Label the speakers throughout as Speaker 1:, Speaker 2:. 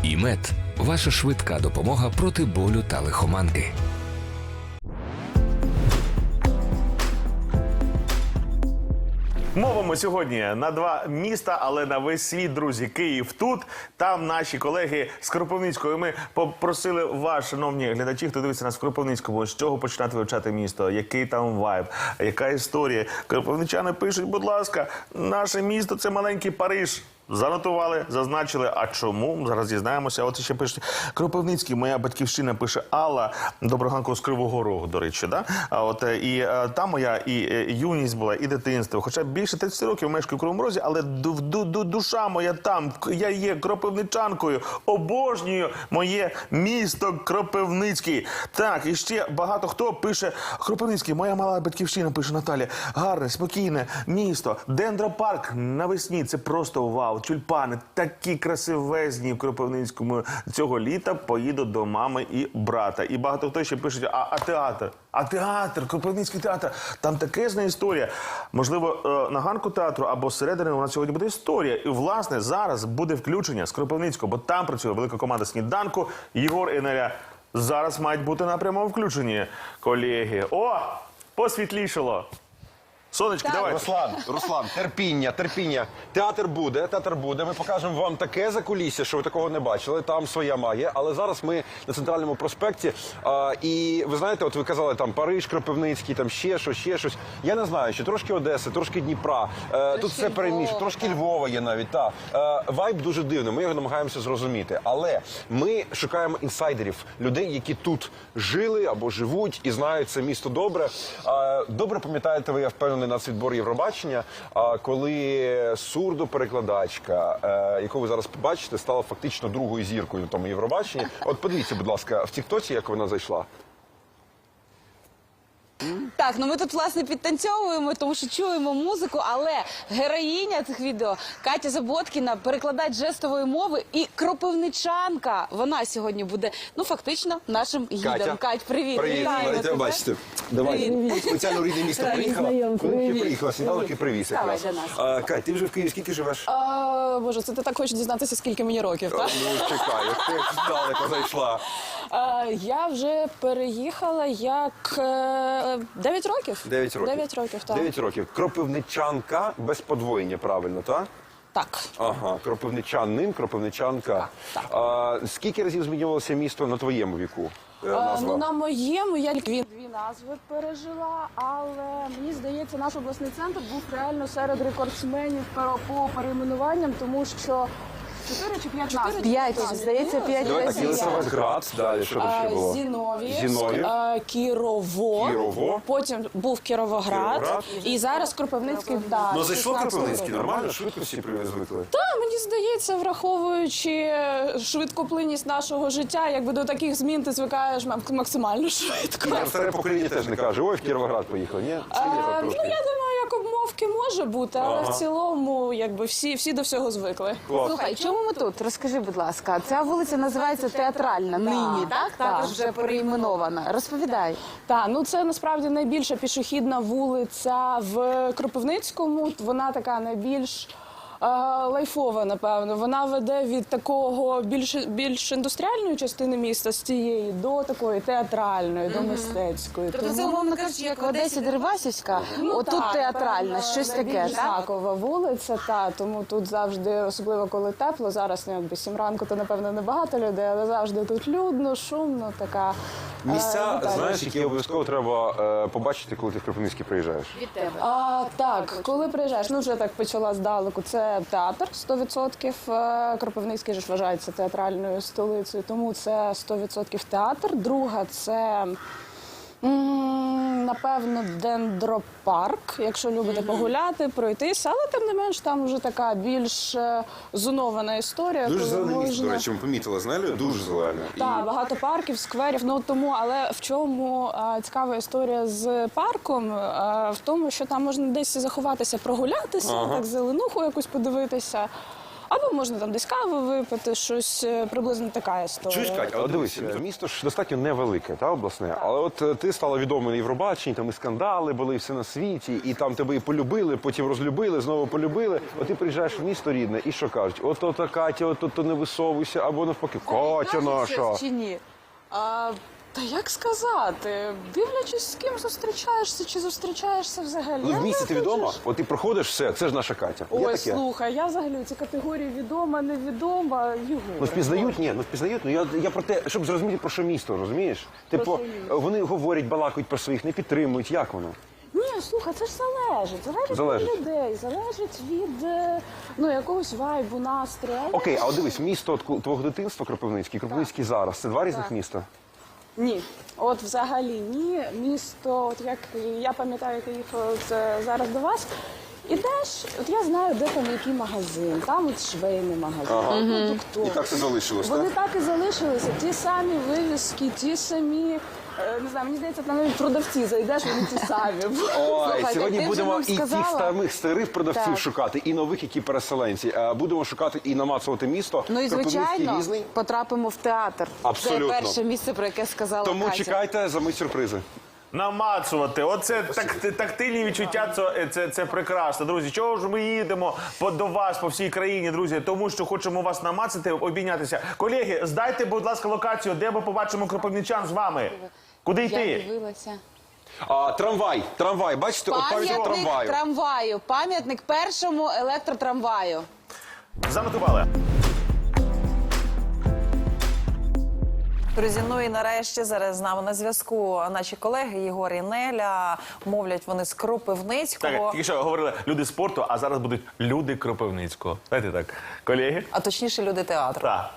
Speaker 1: ІМЕД – ваша швидка допомога проти болю та лихоманки.
Speaker 2: Мовимо сьогодні на два міста, але на весь світ, друзі. Київ тут, там наші колеги з Кропивницького. Ми попросили вас, шановні глядачі, хто дивиться нас в Кропивницькому, з чого починати вивчати місто, який там вайб, яка історія. Кропивничани пишуть, будь ласка, наше місто – це маленький Париж. Занотували, зазначили. А чому? Зараз дізнаємося. От ще пишуть. Кропивницький, моя батьківщина, пише Алла. Доброго ранку з Кривого Рогу, до речі. Да? І там моя і юність була, і дитинство. Хоча більше 30 років мешкаю в Кривому Розі, але душа моя там. Я є кропивничанкою. Обожнюю моє місто Кропивницький. Так, і ще багато хто пише. Кропивницький, моя мала батьківщина, пише Наталя. Гарне, спокійне місто. Дендропарк навесні. Це просто вау. Тюльпани такі красивезні в Кропивницькому. Цього літа поїду до мами і брата. І багато хто ще пише, а театр? А театр, Кропивницький театр, там такезна історія. Можливо, на ганку театру або зсередини у нас сьогодні буде історія. І, власне, зараз буде включення з Кропивницького, бо там працює велика команда «Сніданку». Єгор і Неля зараз мають бути на прямому включенні, колеги. О, посвітлішало. Сонечки, давай.
Speaker 3: Руслан, терпіння. Театр буде. Ми покажемо вам таке закулісся, що ви такого не бачили. Там своя магія. Але зараз ми на Центральному проспекті. І ви знаєте, от ви казали, там Париж, Кропивницький, там ще щось. Я не знаю, що трошки Одеси, трошки Дніпра. Тут все перемішано. Трошки Львова є навіть. Вайб дуже дивний, ми його намагаємося зрозуміти. Але ми шукаємо інсайдерів, людей, які тут жили або живуть і знають це місто добре. Добре пам'ятаєте ви, я впевнений, нацвідбор Євробачення, коли сурдоперекладачка, яку ви зараз побачите, стала фактично другою зіркою на тому Євробаченні. От подивіться, будь ласка, в тіктоці, як вона зайшла.
Speaker 4: Так, ну ми тут, власне, підтанцьовуємо, тому що чуємо музику, але героїня цих відео Катя Заботкіна, перекладач жестової мови і кропивничанка. Вона сьогодні буде, ну, фактично, нашим гідом. Кать, привіт.
Speaker 3: Привіт, давайте бачите. Давай, спеціально рідне місто приїхала. Коли ти приїхала, сніданок і привіз якраз. Кать, ти вже в Києві скільки живеш?
Speaker 5: Боже, це ти так хочеш дізнатися, скільки мені років, так?
Speaker 3: Ну, чекай, ти здалеко зайшла.
Speaker 5: Я вже переїхала як 9 років.
Speaker 3: 9 років.
Speaker 5: 9 років, так.
Speaker 3: 9 років. Кропивничанка без подвоєння, правильно, так?
Speaker 5: Так.
Speaker 3: Ага, кропивничанин, кропивничанка. Скільки разів змінювалося місто на твоєму віку? Назва?
Speaker 5: Ну, на моєму я дві назви пережила, але мені здається, наш обласний центр був реально серед рекордсменів по перейменуванням, тому що 4 чи 5 назв?
Speaker 4: 5, здається, 5
Speaker 3: Так,
Speaker 4: разів.
Speaker 3: Єлисаветград, далі, що тут ще було?
Speaker 5: Зіновій, Кірово, потім був Кіровоград, і зараз Кропивницький, да.
Speaker 3: Ну, зайшло
Speaker 5: 16
Speaker 3: Кропивницький,
Speaker 5: років.
Speaker 3: нормально? Швидко всі звикли?
Speaker 5: Та, мені здається, враховуючи швидкоплинність нашого життя, якби до таких змін ти звикаєш максимально швидко.
Speaker 3: Старе покоління теж не каже, ой, в Кіровоград поїхали, ні?
Speaker 5: Ну, я думаю, як обмовки може бути, але в цілому, якби всі до всього звикли.
Speaker 4: Слухай, чому ми тут? Розкажи, будь ласка. Ця вулиця називається Театральна нині, так? Також вже перейменована. Розповідай.
Speaker 5: Так, ну це насправді найбільша пішохідна вулиця в Кропивницькому. Вона така найбільш лайфова, напевно. Вона веде від такого більш індустріальної частини міста, з цієї, до такої театральної, до мистецької.
Speaker 4: Тобто це, умовно кажучи, як в Одесі Дерибасівська, отут театральна, щось таке, так?
Speaker 5: Знакова вулиця, тому тут завжди, особливо коли тепло, зараз, ну, якби 7 ранку, то, напевно, небагато людей, але завжди тут людно, шумно, така...
Speaker 3: Місця, знаєш, які обов'язково треба побачити, коли ти в Кропивницький приїжджаєш?
Speaker 4: Від тебе.
Speaker 5: Так, коли приїжджаєш, ну вже так почала здалеку, це театр 100%. Кропивницький ж вважається театральною столицею, тому це 100% театр. Друга – це, напевно, дендропарк, якщо любите погуляти, пройтися, але тим не менш там вже така більш зонована історія.
Speaker 3: Дуже
Speaker 5: коли
Speaker 3: зелене місто,
Speaker 5: можна...
Speaker 3: до речі, ми помітили, знаєте? Дуже зелене.
Speaker 5: Так, багато парків, скверів, ну тому, але в чому цікава історія з парком? В тому, що там можна десь заховатися, прогулятися, так зеленуху якусь подивитися. Або можна там десь каву випити, щось приблизно така історія.
Speaker 3: Чуєш, Кать, але дивись, місто ж достатньо невелике, та, обласне, але от ти стала відома на Євробаченні, там і скандали були, і все на світі, і там тебе і полюбили, потім розлюбили, знову полюбили. От ти приїжджаєш в місто рідне, і що кажуть? От Катя, от не висовуйся, або навпаки, Катя наша.
Speaker 4: Чи ні?
Speaker 5: Та як сказати? Дивлячись, з ким зустрічаєшся, чи зустрічаєшся взагалі.
Speaker 3: Ну, в місті ти відома?
Speaker 5: Виходиш.
Speaker 3: От ти проходиш, все, це ж наша Катя. Є
Speaker 5: Ой,
Speaker 3: таке?
Speaker 5: слухай, я взагалі у цій категорії відома, невідома, Єгор.
Speaker 3: Ну, впізнають, ні, ну впізнають. Ну я про те, щоб зрозуміти, про що місто, розумієш? Типу,
Speaker 5: що місто?
Speaker 3: вони говорять, балакають про своїх, не підтримують. Як воно?
Speaker 5: Ні, слухай, це ж залежить
Speaker 3: Залежить.
Speaker 5: від людей, залежить від якогось вайбу, настрою. Але
Speaker 3: Окей, а от дивись, місто от твого дитинства Кропивницький, Кропивницький зараз. Це два різних міста?
Speaker 5: Ні, от взагалі ні. Місто, от як я пам'ятаю, як я їхала зараз до вас. Ідеш, от я знаю, де там який магазин, там от швейний магазин, продуктовий.
Speaker 3: І так це залишилось,
Speaker 5: Вони
Speaker 3: так?
Speaker 5: так і залишилися. Ті самі вивіски, ті самі, не знаю, мені здається, там навіть продавці зайдеш, вони ті самі.
Speaker 3: Ой,
Speaker 4: Слухайте,
Speaker 3: сьогодні
Speaker 4: ти вже
Speaker 3: будемо
Speaker 4: нам
Speaker 3: і
Speaker 4: сказала.
Speaker 3: тих старих продавців
Speaker 5: Так.
Speaker 3: шукати, і нових, які переселенці. Будемо шукати і намацувати місто.
Speaker 4: Ну і
Speaker 3: Кропивницький
Speaker 4: звичайно,
Speaker 3: різний.
Speaker 4: потрапимо в театр.
Speaker 3: Абсолютно.
Speaker 4: Це перше місце, про яке сказала
Speaker 3: Тому
Speaker 4: Катя.
Speaker 3: чекайте за мить сюрпризи.
Speaker 2: Намацувати. Оце тактильні відчуття, це прекрасно. Друзі, чого ж ми їдемо до вас по всій країні, друзі? Тому що хочемо вас намацати, обійнятися. Колеги, здайте, будь ласка, локацію, де ми побачимо кропивничан з вами. Куди
Speaker 4: Я
Speaker 2: йти?
Speaker 4: дивилася.
Speaker 3: Трамвай, бачите, от пам'ятник
Speaker 4: Пам'ятник
Speaker 3: трамваю.
Speaker 4: трамваю. Пам'ятник першому електротрамваю.
Speaker 2: Занотували.
Speaker 6: Друзі, ну і нарешті зараз з нами на зв'язку наші колеги Єгор і Неля. Мовлять вони з Кропивницького.
Speaker 2: Так, тільки що говорили люди спорту, а зараз будуть люди Кропивницького. Знаєте так, колеги?
Speaker 6: А точніше, люди театру.
Speaker 2: Так.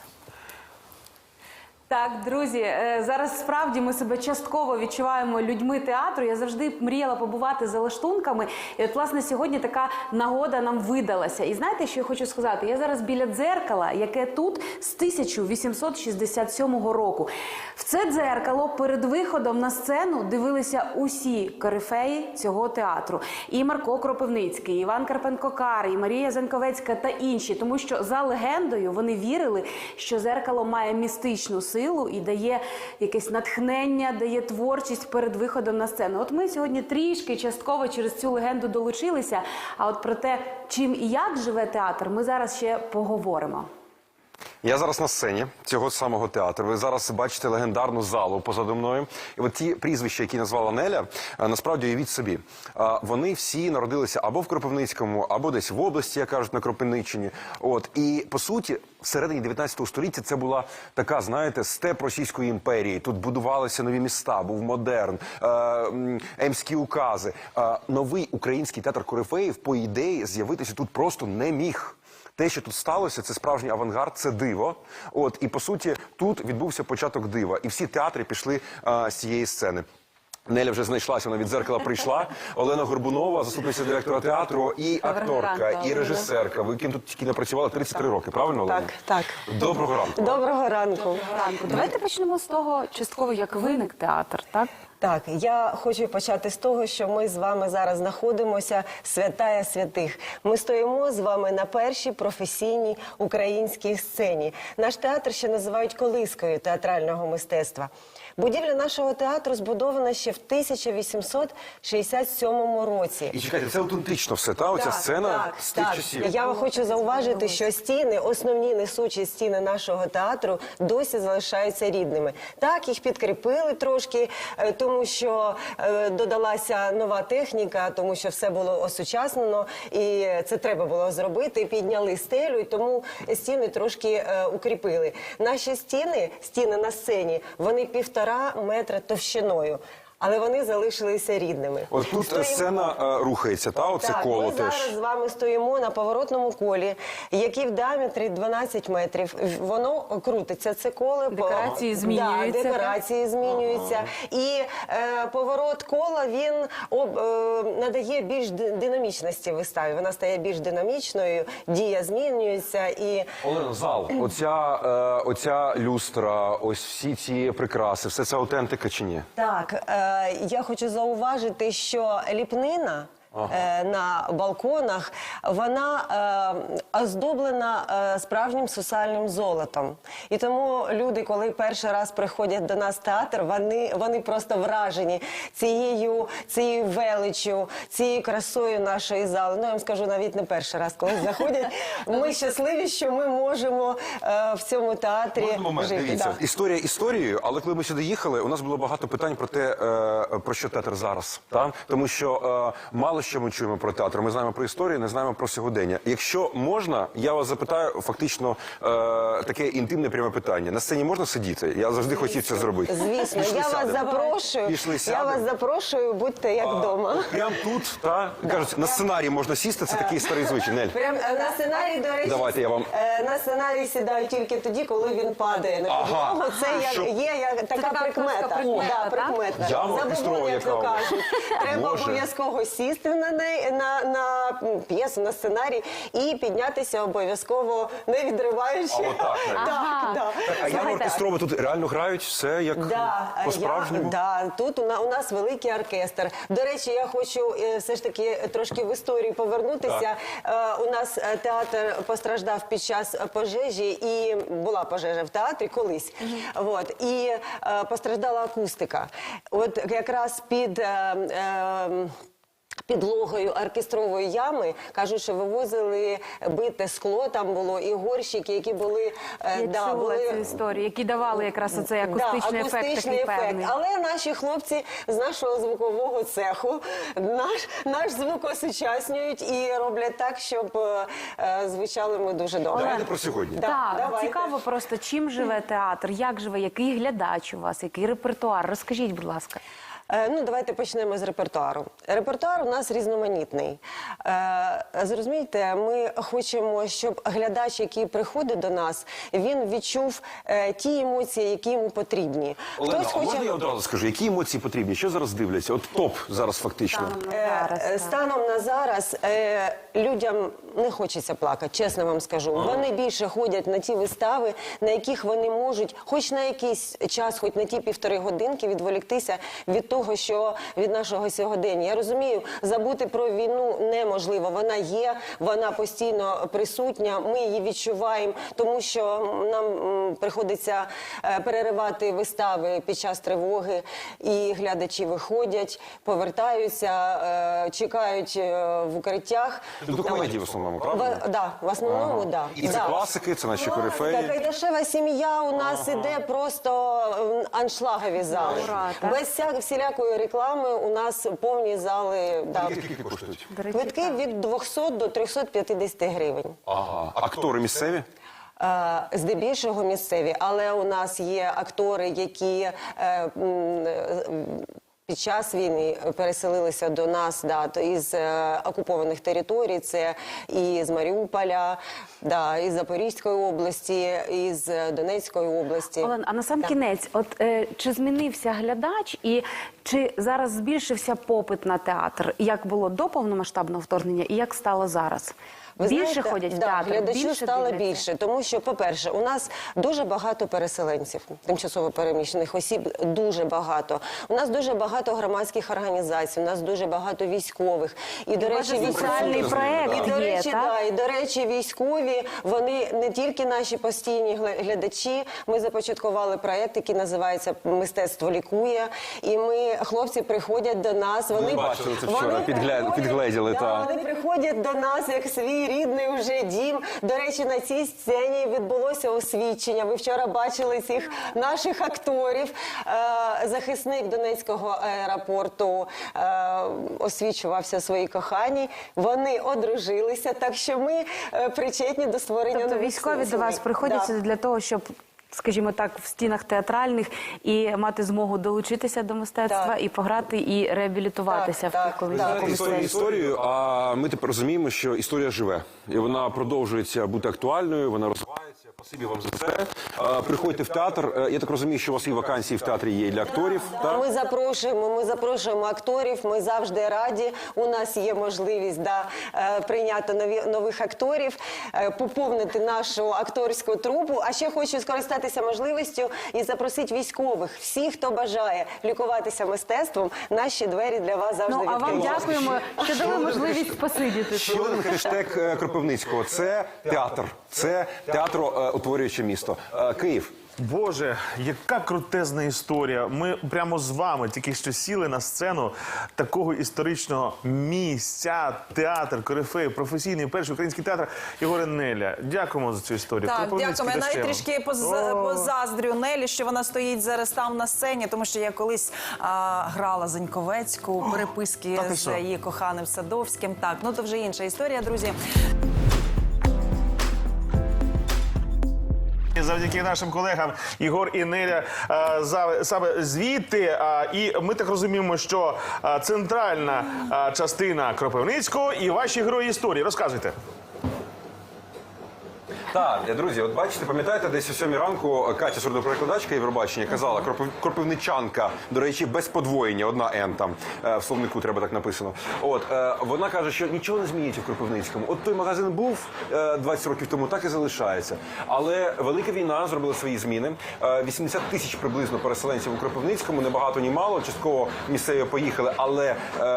Speaker 7: Так, друзі, зараз справді ми себе частково відчуваємо людьми театру. Я завжди мріяла побувати за лаштунками. І от, власне, сьогодні така нагода нам видалася. І знаєте, що я хочу сказати? Я зараз біля дзеркала, яке тут з 1867 року. В це дзеркало перед виходом на сцену дивилися усі корифеї цього театру. І Марко Кропивницький, і Іван Карпенко-Кар, і Марія Заньковецька та інші. Тому що за легендою вони вірили, що дзеркало має містичну силу і дає якесь натхнення, дає творчість перед виходом на сцену. От ми сьогодні трішки частково через цю легенду долучилися, а от про те, чим і як живе театр, ми зараз ще поговоримо.
Speaker 3: Я зараз на сцені цього самого театру. Ви зараз бачите легендарну залу позаду мною. І от ті прізвища, які назвала Неля, насправді уявіть собі. Вони всі народилися або в Кропивницькому, або десь в області, як кажуть, на Кропивниччині. От. І, по суті, всередині 19 століття це була така, знаєте, степ Російської імперії. Тут будувалися нові міста, був модерн, емські укази. Новий український театр корифеїв, по ідеї, з'явитися тут просто не міг. Те, що тут сталося, це справжній авангард, це диво. От, і, по суті, тут відбувся початок дива. І всі театри пішли з цієї сцени. Неля вже знайшлася, вона від дзеркала прийшла. Олена Горбунова, заступниця директора театру, і акторка, і режисерка. Ви ким тут тільки не працювали 33 роки, правильно, Олена?
Speaker 8: Так.
Speaker 3: Доброго ранку.
Speaker 8: Доброго ранку.
Speaker 4: Давайте почнемо з того, частково, як виник театр, так?
Speaker 8: Так, я хочу почати з того, що ми з вами зараз знаходимося святая святих. Ми стоїмо з вами на першій професійній українській сцені. Наш театр ще називають колискою театрального мистецтва. Будівля нашого театру збудована ще в 1867 році.
Speaker 3: І чекайте, це аутентично все, та? Оця сцена з тих часів.
Speaker 8: Я хочу зауважити, що стіни, основні несучі стіни нашого театру досі залишаються рідними. Так, їх підкріпили трошки, тому що додалася нова техніка, тому що все було осучаснено, і це треба було зробити. Підняли стелю, і тому стіни трошки укріпили. Наші стіни на сцені, вони 1,5 метра товщиною. Але вони залишилися рідними.
Speaker 3: От тут сцена рухається, та? Оце
Speaker 8: Так,
Speaker 3: коло
Speaker 8: ми
Speaker 3: теж.
Speaker 8: зараз з вами стоїмо на поворотному колі, який в діаметрі 12 метрів. Воно крутиться, це коло.
Speaker 7: Декорації змінюються,
Speaker 8: Да, декорації змінюються. І поворот кола, він надає більш динамічності виставі. Вона стає більш динамічною, дія змінюється. І
Speaker 3: Олена, зал, оця люстра, ось всі ці прикраси, все це аутентика чи ні?
Speaker 8: так, я хочу зауважити, що ліпнина на балконах, вона оздоблена справжнім сусальним золотом. І тому люди, коли перший раз приходять до нас в театр, вони просто вражені цією величчю, цією красою нашої зали. Ну, я вам скажу, навіть не перший раз, коли заходять. Ми щасливі, що ми можемо в цьому театрі
Speaker 3: Можна момент?
Speaker 8: жити.
Speaker 3: Дивіться,
Speaker 8: Да.
Speaker 3: історія історією, але коли ми сюди їхали, у нас було багато питань про те, про що театр зараз. Та? Тому що мало що ми чуємо про театр. Ми знаємо про історію, не знаємо про сьогодення. Якщо можна, я вас запитаю фактично таке інтимне пряме питання. На сцені можна сидіти? Я завжди хотів це зробити.
Speaker 8: Звісно,
Speaker 3: Пішли,
Speaker 8: я вас
Speaker 3: сядемо.
Speaker 8: запрошую.
Speaker 3: Пішли,
Speaker 8: Я
Speaker 3: сядемо.
Speaker 8: вас запрошую, будьте як вдома.
Speaker 3: Прямо тут, та? Кажуть, на сценарій можна сісти, це такий старий звичай. Нель.
Speaker 8: Прям на сценарій, до речі,
Speaker 3: Давайте я вам-
Speaker 8: на сценарій сідаю тільки тоді, коли він падає на
Speaker 3: Ага.
Speaker 8: підлогу. Це
Speaker 3: Щоб-
Speaker 8: є така
Speaker 7: така
Speaker 8: прикмета.
Speaker 7: акторська прикмета,
Speaker 8: Да,
Speaker 7: так?
Speaker 8: прикмета.
Speaker 3: Я
Speaker 8: Забобон,
Speaker 3: оркестрова
Speaker 8: як то
Speaker 3: яка.
Speaker 8: кажуть. Треба
Speaker 3: Боже.
Speaker 8: обов'язково сісти на неї, на п'єсу, на сценарій і піднятися обов'язково, не відриваючи.
Speaker 3: А отак, навіть.
Speaker 8: Так, так.
Speaker 3: А я оркестрова тут реально грають все як по-справжньому?
Speaker 8: Тут у нас великий оркестр. До речі, я хочу все ж таки трошки в історію повернутися. У нас театр постраждав під час пожежі, і була пожежа в театрі колись. І постраждала акустика. От якраз під підлогою оркестрової ями, кажуть, що вивозили бите скло, там було і горщики, які були...
Speaker 7: Я чула цю історію, які давали якраз оцей акустичний ефект
Speaker 8: акустичний
Speaker 7: такий певний.
Speaker 8: Але наші хлопці з нашого звукового цеху наш звук осучаснюють і роблять так, щоб звучали ми дуже добре.
Speaker 3: Давайте про сьогодні.
Speaker 8: Да,
Speaker 7: Так,
Speaker 8: давайте.
Speaker 7: цікаво просто, чим живе театр, як живе, який глядач у вас, який репертуар. Розкажіть, будь ласка.
Speaker 8: Давайте почнемо з репертуару. Репертуар у нас різноманітний. Зрозумійте, ми хочемо, щоб глядач, який приходить до нас, він відчув ті емоції, які йому потрібні.
Speaker 3: Олена, а можна я одразу скажу, які емоції потрібні? Що зараз дивляться? От топ зараз фактично.
Speaker 8: Станом на зараз людям не хочеться плакати, чесно вам скажу. Вони більше ходять на ті вистави, на яких вони можуть хоч на якийсь час, хоч на ті 1,5 годинки відволіктися від того, що від нашого сьогодення. Я розумію, забути про війну неможливо. Вона є, вона постійно присутня, ми її відчуваємо, тому що нам приходиться переривати вистави під час тривоги, і глядачі виходять, повертаються, чекають в укриттях.
Speaker 3: Це до комедії в основному, правда?
Speaker 8: Так, в основному, так.
Speaker 3: І це класики, це наші
Speaker 8: Така
Speaker 3: корифеї.
Speaker 8: Кайдашева сім'я у нас іде просто аншлагові зали.
Speaker 7: Ура, так?
Speaker 8: Без всілякої реклами у нас повні зали. Да.
Speaker 3: Скільки коштують?
Speaker 7: До речі,
Speaker 8: Квитки від 200 до 350 гривень.
Speaker 3: Ага. Актори місцеві?
Speaker 8: Здебільшого місцеві, але у нас є актори, які під час війни переселилися до нас із окупованих територій. Це і з Маріуполя, із Запорізької області, і з Донецької області.
Speaker 7: Олен, а на сам кінець, чи змінився глядач і чи зараз збільшився попит на театр? Як було до повномасштабного вторгнення і як стало зараз?
Speaker 8: Ви
Speaker 7: Більше
Speaker 8: знаєте,
Speaker 7: ходять в
Speaker 8: да,
Speaker 7: театр?
Speaker 8: глядачів
Speaker 7: більше
Speaker 8: стало
Speaker 7: дивляться?
Speaker 8: більше, тому що, по-перше, у нас дуже багато переселенців, тимчасово переміщених осіб, дуже багато. У нас дуже багато громадських організацій, у нас дуже багато військових. І, до речі,
Speaker 7: соціальний проект
Speaker 8: і, до
Speaker 7: є,
Speaker 8: речі,
Speaker 7: так?
Speaker 8: і, до речі, військові, вони не тільки наші постійні глядачі. Ми започаткували проект, який називається «Мистецтво лікує». І хлопці приходять до нас. Вони
Speaker 3: бачили це вчора,
Speaker 8: вони
Speaker 3: підгледіли, та.
Speaker 8: Вони приходять до нас як свій рідний вже дім. До речі, на цій сцені відбулося освідчення. Ви вчора бачили цих наших акторів. Захисник Донецького аеропорту освічувався своїй коханій. Вони одружилися, так що ми причетні до створення
Speaker 7: Тобто
Speaker 8: нових
Speaker 7: військові до
Speaker 8: сцен.
Speaker 7: вас приходять
Speaker 8: Да.
Speaker 7: для того, щоб, скажімо так, в стінах театральних і мати змогу долучитися до мистецтва
Speaker 8: Так.
Speaker 7: і пограти, і реабілітуватися
Speaker 8: Так,
Speaker 7: в колись
Speaker 8: так.
Speaker 7: якомусь
Speaker 3: Історію
Speaker 7: сенсі.
Speaker 3: історію, а ми тепер розуміємо, що історія живе. І вона продовжується бути актуальною, вона розвивається. Спасибі вам за це. Приходьте в театр. Я так розумію, що у вас і вакансії в театрі є для акторів. Так?
Speaker 8: Ми запрошуємо акторів, ми завжди раді. У нас є можливість прийняти нових акторів, поповнити нашу акторську трупу. А ще хочу скористатися можливістю і запросити військових. Всі, хто бажає лікуватися мистецтвом, наші двері для вас завжди
Speaker 7: Ну, а вам
Speaker 8: відкриті.
Speaker 7: дякуємо, що дали можливість посидіти.
Speaker 3: Ще один хештег Кропивницького – це театр. Це театроутворююче місто. Київ.
Speaker 2: Боже, яка крутезна історія. Ми прямо з вами тільки що сіли на сцену такого історичного місця, театр, корифей, професійний перший український театр Єгора Неля. Дякуємо за цю історію.
Speaker 6: Так,
Speaker 2: Кропивницький
Speaker 6: дякуємо. Я навіть
Speaker 2: дощем.
Speaker 6: трішки позаздрю Нелі, що вона стоїть зараз там на сцені, тому що я колись грала Заньковецьку, переписки
Speaker 2: та ти
Speaker 6: з
Speaker 2: що?
Speaker 6: її коханим Садовським. Так, ну то вже інша історія, друзі.
Speaker 2: Завдяки нашим колегам Єгор і Неля саме звідти. І ми так розуміємо, що центральна частина Кропивницького і ваші герої історії. Розказуйте.
Speaker 3: Так, друзі, от бачите, пам'ятаєте, десь о 7 ранку Катя, сурдоперекладачка Євробачення, казала, кропивничанка, до речі, без подвоєння, одна Н там, в словнику треба так написано. От, вона каже, що нічого не змінюється в Кропивницькому. От той магазин був 20 років тому, так і залишається. Але велика війна зробила свої зміни. 80 тисяч приблизно переселенців у Кропивницькому, не багато, ні мало, частково місцеві поїхали, але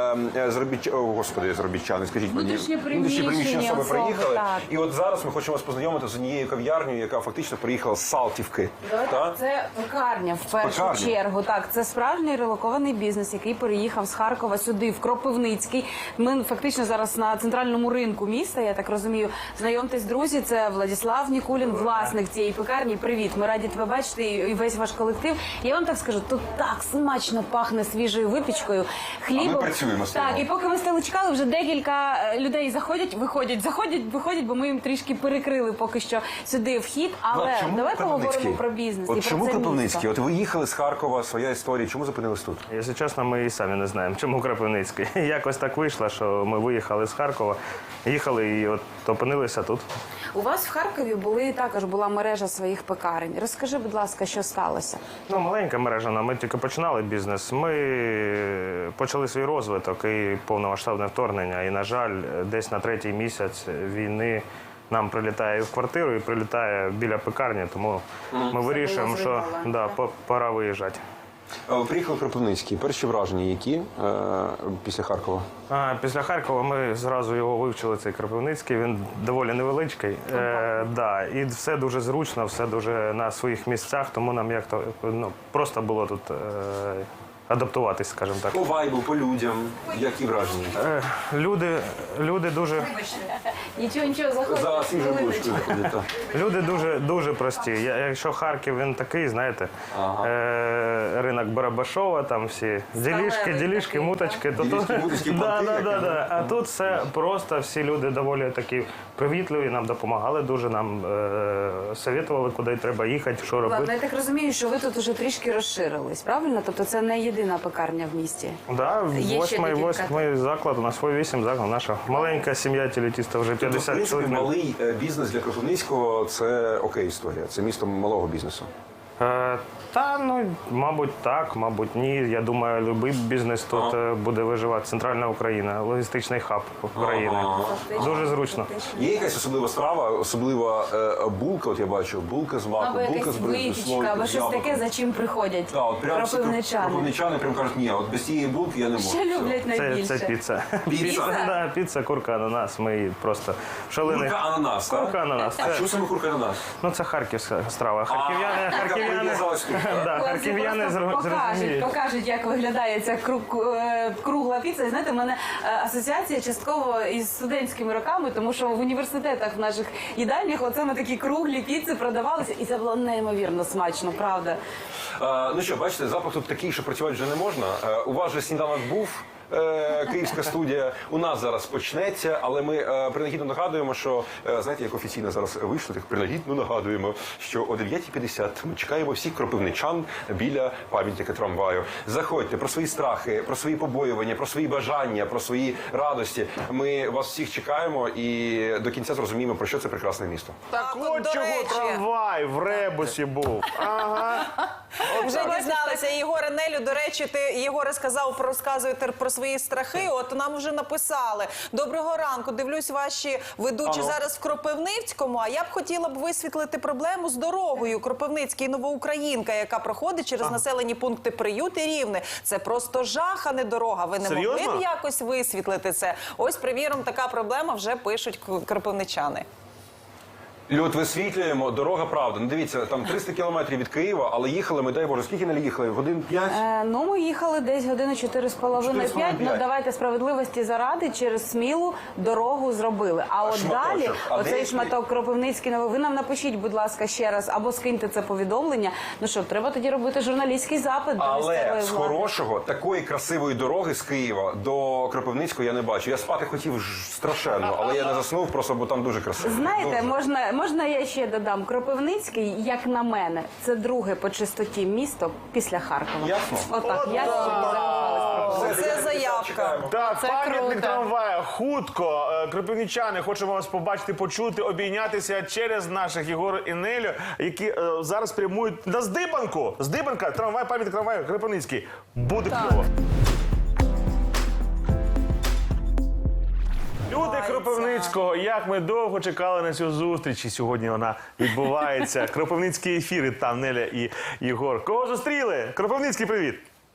Speaker 3: заробітчани, скажіть мені,
Speaker 7: Внутрішнє приміщення
Speaker 3: особи
Speaker 7: особи,
Speaker 3: приїхали.
Speaker 7: так.
Speaker 3: І от зараз ми хочемо вас познайомити з однією кав'ярнею, яка фактично приїхала з Салтівки. Так?
Speaker 7: Це пекарня в першу
Speaker 3: Пекарня.
Speaker 7: чергу. Так, це справжній релокований бізнес, який переїхав з Харкова сюди, в Кропивницький. Ми фактично зараз на центральному ринку міста, я так розумію. Знайомтесь, друзі, це Владислав Нікулін, власник цієї пекарні. Привіт, ми раді тебе бачити і весь ваш колектив. Я вам так скажу, тут так смачно пахне свіжою випічкою, хлібом.
Speaker 3: А ми працюємо з цим.
Speaker 7: Так, і поки ми стали чекали, вже декілька людей заходять, виходять, бо ми їм трішки перекрили поки що сюди вхід. Але
Speaker 3: Чому
Speaker 7: давай
Speaker 3: Кропивницький?
Speaker 7: поговоримо про бізнес і
Speaker 3: От
Speaker 7: про
Speaker 3: чому
Speaker 7: це
Speaker 3: Кропивницький?
Speaker 7: місто.
Speaker 3: От ви їхали з Харкова, своя історія, чому зупинились тут?
Speaker 9: Якщо чесно, ми і самі не знаємо, чому Кропивницький. Якось так вийшло, що ми виїхали з Харкова, їхали і от опинилися тут.
Speaker 7: У вас в Харкові була мережа своїх пекарень. Розкажи, будь ласка, що сталося?
Speaker 9: Ну, маленька мережа, ми тільки починали бізнес. Ми почали свій розвиток і повномасштабне вторгнення. І, на жаль, десь на 3-й місяць війни нам прилітає і в квартиру, і прилітає біля пекарні, тому ми вирішуємо, що пора виїжджати.
Speaker 3: Ви приїхали в Кропивницький. Перші враження які після Харкова?
Speaker 9: Після Харкова ми зразу його вивчили, цей Кропивницький. Він доволі невеличкий. І все дуже зручно, все дуже на своїх місцях, тому нам просто було тут адаптуватись, скажімо так.
Speaker 3: По вайбу, по людям, які враження?
Speaker 9: Люди дуже...
Speaker 7: Нічого, заходьте.
Speaker 3: За свіжою булочкою заходять. так.
Speaker 9: Люди дуже прості. Якщо Харків, він такий, знаєте, ринок Барабашова, там всі ділішки, муточки.
Speaker 3: Ділішки, муточки, понти,
Speaker 9: А тут все просто, всі люди доволі такі привітливі, нам допомагали дуже, нам советували, куди треба їхати, що
Speaker 7: Ладно,
Speaker 9: робити.
Speaker 7: я так розумію, що ви тут уже трішки розширились, правильно? Тобто це не єдина пекарня в місті.
Speaker 9: Да,
Speaker 7: Є ще декілька.
Speaker 9: восьмий заклад, у нас 8 заклад, наша маленька сім'я телетіста, вже
Speaker 3: Тобто, в
Speaker 9: 50
Speaker 3: принципі,
Speaker 9: чоловік.
Speaker 3: малий бізнес для Кропивницького – це окей історія. Це місто малого бізнесу.
Speaker 9: Мабуть, так, мабуть, ні. Я думаю, будь-який бізнес тут буде виживати. Центральна Україна, логістичний хаб України. Дуже зручно.
Speaker 3: Є якась особлива страва, особлива булка, от я бачу, булка з маком,
Speaker 7: Або
Speaker 3: булка
Speaker 7: якась
Speaker 3: з бризою,
Speaker 7: випічка, або щось таке, за чим приходять
Speaker 3: Так, от прям всі
Speaker 7: кропивничани.
Speaker 3: кропивничани прям кажуть, ні, от без цієї булки я не можу.
Speaker 7: Що люблять найбільше?
Speaker 9: Це піца.
Speaker 3: Піца?
Speaker 9: Піца, курка, ананас. Ми її просто шалені.
Speaker 3: Курка ананас, так?
Speaker 9: Курка ананас.
Speaker 3: А чому саме курка ананас?
Speaker 9: Це харківська страва. Харків'яни зрозуміють.
Speaker 7: Покажуть, як виглядає ця кругла піца. І знаєте, в мене асоціація частково із студентськими роками, тому що в університетах в наших їдальнях оце ми такі круглі піци продавалися, і це було неймовірно смачно, правда.
Speaker 3: Ну що, бачите, запах тут такий, що працювати вже не можна. У вас же сніданок був. Київська студія у нас зараз почнеться, але ми принагідно нагадуємо, що, знаєте, як офіційно зараз вийшло, так принагідно нагадуємо, що о 9:50 ми чекаємо всіх кропивничан біля пам'ятника трамваю. Заходьте, про свої страхи, про свої побоювання, про свої бажання, про свої радості. Ми вас всіх чекаємо і до кінця зрозуміємо, про що це прекрасне місто.
Speaker 2: Так
Speaker 6: от,
Speaker 2: от
Speaker 6: до
Speaker 2: чого
Speaker 6: речі.
Speaker 2: трамвай в ребусі був. Ага.
Speaker 6: Вже дізналися. Єгоре Нелю, до речі, ти, Єгоре, розказуєте про свої страхи. От нам вже написали. Доброго ранку. Дивлюсь, ваші ведучі зараз в Кропивницькому. А я б хотіла висвітлити проблему з дорогою Кропивницький Новоукраїнка, яка проходить через населені пункти Приют і Рівне. Це просто жах, а не дорога. Ви не
Speaker 2: Серйозно?
Speaker 6: могли б якось висвітлити це? Ось, приміром, така проблема вже пишуть кропивничани.
Speaker 3: Люд, висвітлюємо, дорога правда. Ну дивіться, там 300 кілометрів від Києва, але їхали ми, дай Боже, скільки не їхали? Годин 5?
Speaker 7: Ну, ми їхали десь години 4,5-5.
Speaker 3: 4,5.
Speaker 7: Ну, давайте справедливості заради, через Смілу дорогу зробили. А от
Speaker 3: Шматочок.
Speaker 7: далі,
Speaker 3: А
Speaker 7: оцей
Speaker 3: де
Speaker 7: шматок Кропивницький, ви нам напишіть, будь ласка, ще раз, або скиньте це повідомлення. Ну що, треба тоді робити журналістський запит до
Speaker 3: Але
Speaker 7: місцевої
Speaker 3: з
Speaker 7: влади.
Speaker 3: хорошого, такої красивої дороги з Києва до Кропивницького я не бачу. Я спати хотів страшенно, але я не заснув просто, бо там дуже красиво.
Speaker 7: Знаєте, можна я ще додам? Кропивницький, як на мене, це друге по чистоті місто після Харкова.
Speaker 3: Ясно.
Speaker 7: Отак, я
Speaker 6: Це заявка.
Speaker 2: Так, пам'ятник трамвая. Хутко. Кропивничани, хочемо вас побачити, почути, обійнятися через наших Єгора і Нелю, які зараз прямують на Здибанку. Здибанка, трамвай, пам'ятник трамваю, Кропивницький. Буде кльово. Люди Кропивницького, як ми довго чекали на цю зустріч, і сьогодні вона відбувається. Кропивницький ефір, і там Неля і Єгор. Кого зустріли? Кропивницький, привіт!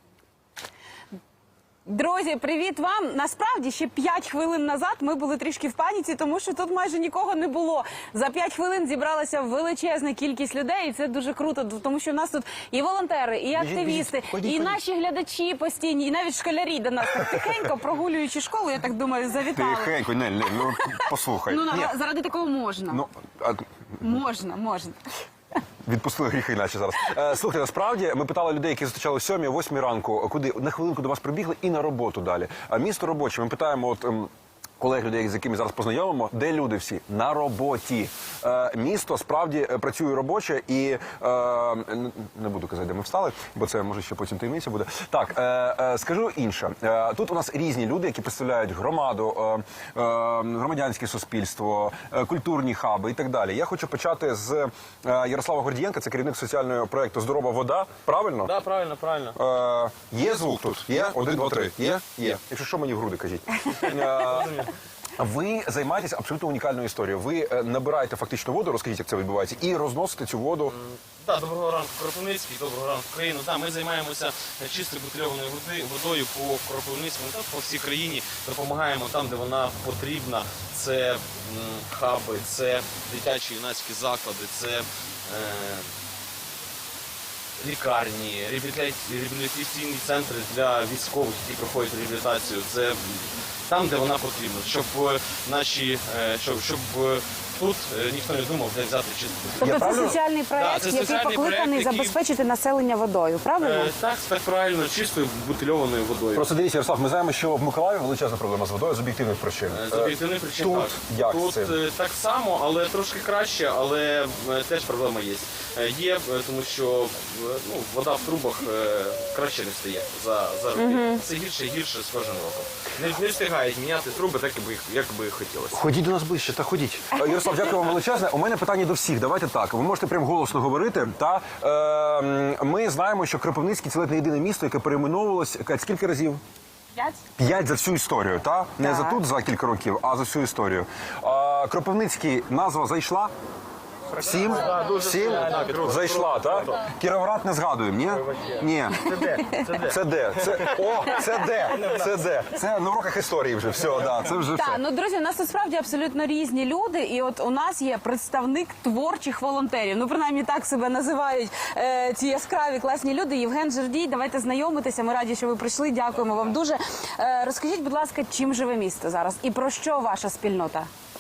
Speaker 4: Друзі, привіт вам! Насправді, ще 5 хвилин назад ми були трішки в паніці, тому що тут майже нікого не було. За 5 хвилин зібралася величезна кількість людей, і це дуже круто, тому що в нас тут і волонтери, і активісти, і наші глядачі постійні, і навіть школярі до нас так тихенько, прогулюючи школу, я так думаю, завітали.
Speaker 3: Тихенько, Нель, ну послухай.
Speaker 4: Ну, заради такого можна.
Speaker 3: Ну,
Speaker 4: Можна.
Speaker 3: відпустили гріхи наче зараз. Слухайте, насправді ми питали людей, які зустрічали о 7-8 ранку, куди на хвилинку до вас прибігли і на роботу далі. Місто робоче. Ми питаємо от колег, людей, з якими зараз познайомимо, де люди всі? На роботі. Місто справді працює робоче і не буду казати, де ми встали, бо це може ще потім таємниця буде. Так, скажу інше. Тут у нас різні люди, які представляють громаду, громадянське суспільство, культурні хаби і так далі. Я хочу почати з Ярослава Гордієнка, це керівник соціального проєкту «Здорова вода». Правильно?
Speaker 9: Так, правильно.
Speaker 3: Є звук тут? Є? 1, 2, 3. Є? Є. Якщо що, мені в груди кажіть. Ви займаєтесь абсолютно унікальною історією. Ви набираєте фактично воду, розкажіть, як це відбувається, і розносите цю воду.
Speaker 10: Так, доброго ранку, Кропивницький, доброго ранку, Україну. Так, ми займаємося чистою бутильованою водою по Кропивницькому, так, по всій країні. Допомагаємо там, де вона потрібна. Це хаби, це дитячі юнацькі заклади, це лікарні, реабілітаційні центри для військових, які проходять реабілітацію. Це там, де вона потрібна, щоб тут ніхто не думав, де взяти чисту воду.
Speaker 7: Тобто це соціальний проєкт,
Speaker 10: Да, це
Speaker 7: який
Speaker 10: соціальний
Speaker 7: покликаний
Speaker 10: проєкт, який-
Speaker 7: забезпечити населення водою, правильно?
Speaker 10: Так правильно, чистою бутильованою водою.
Speaker 3: Просто дивіться, Ярослав, ми знаємо, що в Миколаєві величезна проблема з водою з об'єктивних причин.
Speaker 10: З об'єктивних причин
Speaker 3: Тут
Speaker 10: так.
Speaker 3: як
Speaker 10: Тут
Speaker 3: це?
Speaker 10: так само, але трошки краще, але теж проблема є. Є, тому що вода в трубах краще не стає за роки. Все гірше і гірше з кожним роком. Не встигають міняти труби так, як би хотілося.
Speaker 3: Ходіть до нас ближче, та ходіть. Ярослав, дякую вам величезне. У мене питання до всіх. Давайте так. Ви можете прям голосно говорити. Ми знаємо, що Кропивницький – це ледь не єдине місто, яке перейменовувалось. Кать, скільки разів?
Speaker 4: 5?
Speaker 3: 5 за всю історію, та? Не за тут за кілька років, а за всю історію. Кропивницький назва зайшла? 7? 7? Зайшла, так? Кіровоград не згадуємо, ні? Ні. Це де? Це де? Це на уроках історії вже, все, да, це вже
Speaker 4: Так,
Speaker 3: все.
Speaker 4: ну, друзі, у нас насправді абсолютно різні люди, і от у нас є представник творчих волонтерів. Ну, принаймні так себе називають ці яскраві, класні люди. Євген Жердій, давайте знайомитися. Ми раді, що ви прийшли. Дякуємо вам дуже. Розкажіть, будь ласка, чим живе місто зараз і про що ваша спільнота?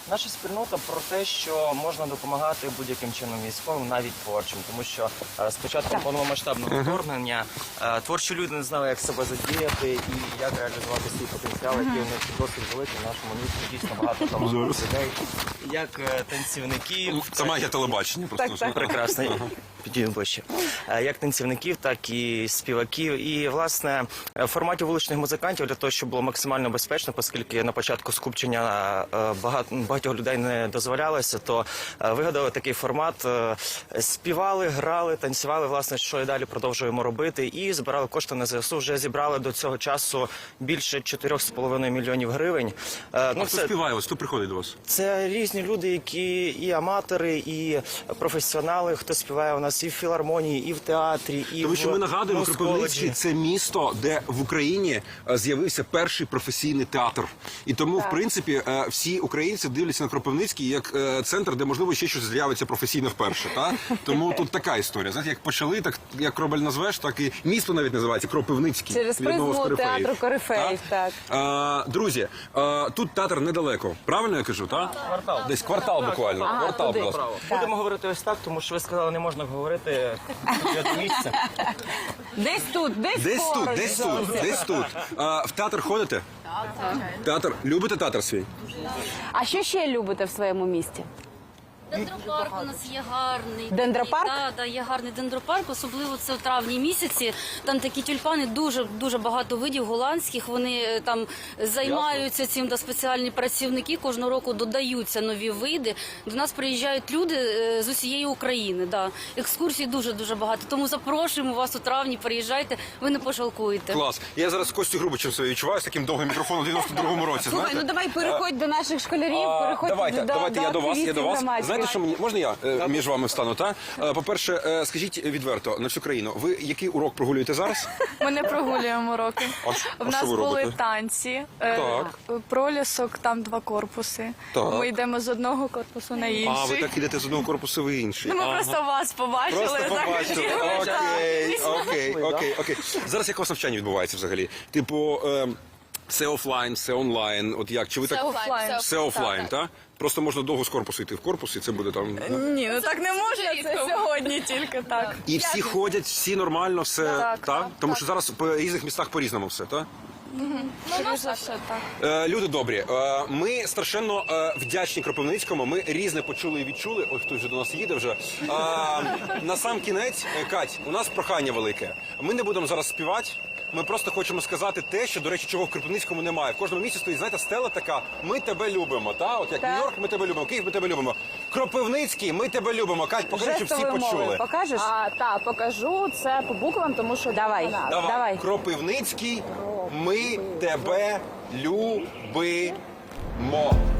Speaker 11: Наша спільнота про те, що можна допомагати будь-яким чином військовим, навіть творчим, тому що з початком повномасштабного вторгнення творчі люди не знали, як себе задіяти і як реалізувати свій потенціал, який у них досить великий в нашому місті. Дійсно багато талантливих людей, як танцівників.
Speaker 3: Це магія телебачення, просто
Speaker 11: Прекрасно. Підійдемо ближче. Як танцівників, так і співаків. І, власне, в форматі вуличних музикантів для того, щоб було максимально безпечно, оскільки на початку скупчення багатьох людей не дозволялося, то вигадали такий формат. Співали, грали, танцювали, власне, що і далі продовжуємо робити. І збирали кошти на ЗСУ. Вже зібрали до цього часу більше 4,5 мільйонів гривень.
Speaker 3: хто співає? Ось хто приходить до вас?
Speaker 11: Це різні люди, які і аматори, і професіонали, хто співає у нас і в філармонії, і в театрі, і
Speaker 3: Тому що ми нагадуємо,
Speaker 11: музколеджі.
Speaker 3: Кропивницький – це місто, де в Україні з'явився перший професійний театр. І тому, в принципі, всі українці дивляться на Кропивницький як центр, де, можливо, ще щось з'явиться професійно вперше. Та? Тому тут така історія. Знаєте, як почали, так як Кробель назвеш, так і місто навіть називається Кропивницький.
Speaker 7: Через
Speaker 3: від одного з
Speaker 7: призму
Speaker 3: корифеїв.
Speaker 7: театру корифеїв, так.
Speaker 3: Друзі, тут театр недалеко. Правильно я кажу, так?
Speaker 11: Квартал.
Speaker 3: Десь квартал буквально. Квартал, будь ласка.
Speaker 11: Будемо говорити ось так, тому що ви сказали, не можна говорити тут місце.
Speaker 4: Десь тут,
Speaker 3: Десь тут, десь тут, десь тут. В театр ходите? Театр. Любите театр свій?
Speaker 7: А що ще любите в своєму місті?
Speaker 12: Дендропарк у нас є гарний.
Speaker 7: Дендропарк?
Speaker 12: Так, є гарний дендропарк, особливо це в травні місяці. Там такі тюльпани, дуже багато видів голландських. Вони там займаються цим, спеціальні працівники. Кожного року додаються нові види. До нас приїжджають люди з усієї України. Да. Екскурсій дуже багато. Тому запрошуємо вас у травні, приїжджайте, ви не пожалкуєте.
Speaker 3: Клас. Я зараз Костю Грубичем себе відчуваю з таким довгим мікрофоном у 92-му році.
Speaker 4: Слухай,
Speaker 3: знаєте?
Speaker 4: ну давай переходь до наших школярів, переходь
Speaker 3: Давайте, я до вас,
Speaker 4: громадських.
Speaker 3: Знаєте, що мені можна я між вами встану? Та по-перше, скажіть відверто на всю країну. Ви який урок прогулюєте зараз?
Speaker 5: Ми не прогулюємо уроки.
Speaker 3: А
Speaker 5: В нас
Speaker 3: що ви
Speaker 5: були
Speaker 3: робите?
Speaker 5: танці,
Speaker 3: Так.
Speaker 5: пролісок, там 2 корпуси.
Speaker 3: Так.
Speaker 5: Ми йдемо з одного корпусу на інший.
Speaker 3: А ви так ідете з одного корпусу в інший.
Speaker 5: Ну, ми просто вас побачили.
Speaker 3: Просто побачили.
Speaker 5: захотіли.
Speaker 3: Окей. Зараз як у вас навчання відбувається взагалі? Типу, все офлайн, все онлайн. От як? Чи ви
Speaker 5: Все
Speaker 3: так?
Speaker 5: офлайн.
Speaker 3: Все офлайн, так? Просто можна довго з корпусу йти в корпус, і це буде там.
Speaker 5: Ні, ну так не можна, це сьогодні тільки так.
Speaker 3: І всі ходять, всі нормально, все так? Тому що зараз по різних містах по-різному все, так?
Speaker 5: Скоріше за все, так.
Speaker 3: Люди добрі, ми страшенно вдячні Кропивницькому. Ми різне почули і відчули. Ой, хтось вже до нас їде вже. На сам кінець, Кать, у нас прохання велике. Ми не будемо зараз співати. Ми просто хочемо сказати те, що, до речі, чого в Кропивницькому немає. В кожному місці стоїть, знаєте, стела така: ми тебе любимо. Та? От як Нью-Йорк, ми тебе любимо, Київ, ми тебе любимо. Кропивницький, ми тебе любимо. Кать, покажи, щоб всі
Speaker 7: Жестовою мовою
Speaker 3: почули.
Speaker 7: покажеш?
Speaker 5: Так, покажу це по буквам, тому що
Speaker 7: Давай.
Speaker 3: Давай. Кропивницький, ми тебе любимо.